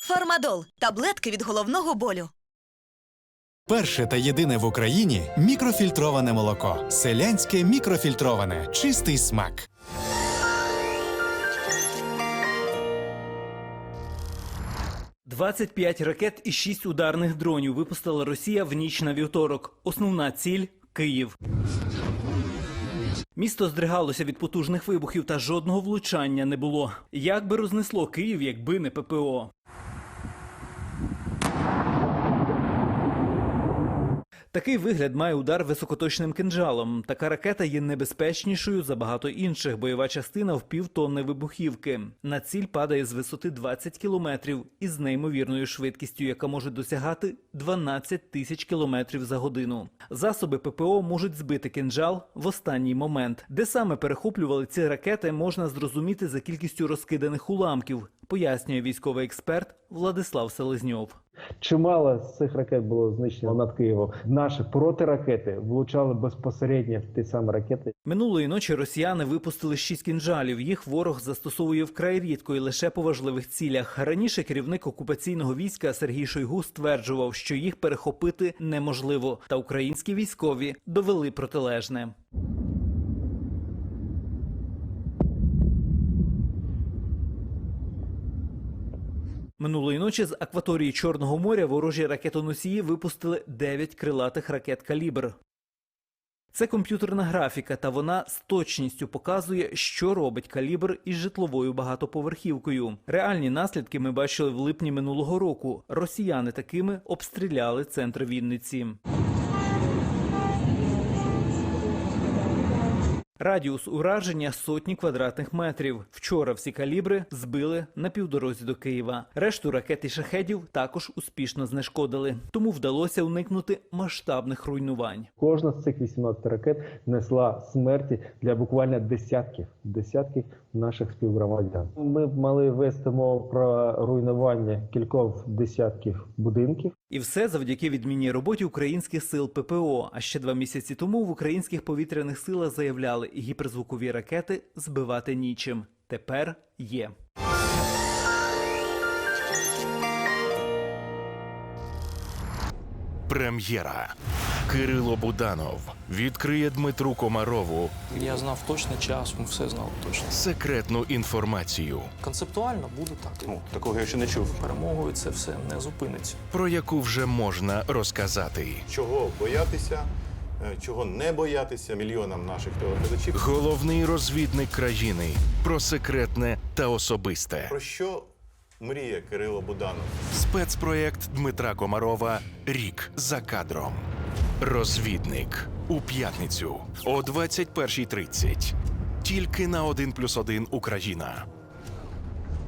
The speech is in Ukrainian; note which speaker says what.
Speaker 1: Фармадол – таблетки від головного болю.
Speaker 2: Перше та єдине в Україні мікрофільтроване молоко. Селянське мікрофільтроване. Чистий смак.
Speaker 3: – 25 ракет і 6 ударних дронів випустила Росія в ніч на вівторок. Основна ціль – Київ. Місто здригалося від потужних вибухів та жодного влучання не було. Як би рознесло Київ, якби не ППО? Такий вигляд має удар високоточним кинджалом. Така ракета є небезпечнішою за багато інших. Бойова частина в півтонни вибухівки. На ціль падає з висоти 20 кілометрів із неймовірною швидкістю, яка може досягати 12 тисяч кілометрів за годину. Засоби ППО можуть збити кинджал в останній момент. Де саме перехоплювали ці ракети, можна зрозуміти за кількістю розкиданих уламків, пояснює військовий експерт Владислав Селезньов.
Speaker 4: Чимало з цих ракет було знищено над Києвом. Наші протиракети влучали безпосередньо в ті самі ракети.
Speaker 3: Минулої ночі росіяни випустили 6 кінжалів. Їх ворог застосовує вкрай рідко і лише по важливих цілях. Раніше керівник окупаційного війська Сергій Шойгу стверджував, що їх перехопити неможливо. Та українські військові довели протилежне. Минулої ночі з акваторії Чорного моря ворожі ракетоносії випустили 9 крилатих ракет «Калібр». Це комп'ютерна графіка, та вона з точністю показує, що робить «Калібр» із житловою багатоповерхівкою. Реальні наслідки ми бачили в липні минулого року. Росіяни такими обстріляли центр Вінниці. Радіус ураження – сотні квадратних метрів. Вчора всі «Калібри» збили на півдорозі до Києва. Решту ракет і шахедів також успішно знешкодили. Тому вдалося уникнути масштабних руйнувань.
Speaker 4: Кожна з цих 18 ракет несла смерті для буквально десятків наших співгромадян. Ми мали вести мову про руйнування кількох десятків будинків.
Speaker 3: І все завдяки відмінній роботі українських сил ППО. А ще 2 місяці тому в українських повітряних силах заявляли, гіперзвукові ракети збивати нічим. Тепер є.
Speaker 5: Прем'єра. Кирило Буданов відкриє Дмитру Комарову
Speaker 6: Я знав точно час, ми все знали точно.
Speaker 5: секретну інформацію,
Speaker 6: Концептуально буде так.
Speaker 7: Такого я ще не чув.
Speaker 6: Перемогою це все не зупиниться.
Speaker 5: про яку вже можна розказати.
Speaker 7: Чого боятися, чого не боятися мільйонам наших телеглядачів.
Speaker 5: Головний розвідник країни про секретне та особисте.
Speaker 7: Про що мріє Кирило Буданов?
Speaker 5: Спецпроєкт Дмитра Комарова «Рік за кадром». Розвідник. У п'ятницю о 21:30. Тільки на 1+1 Україна.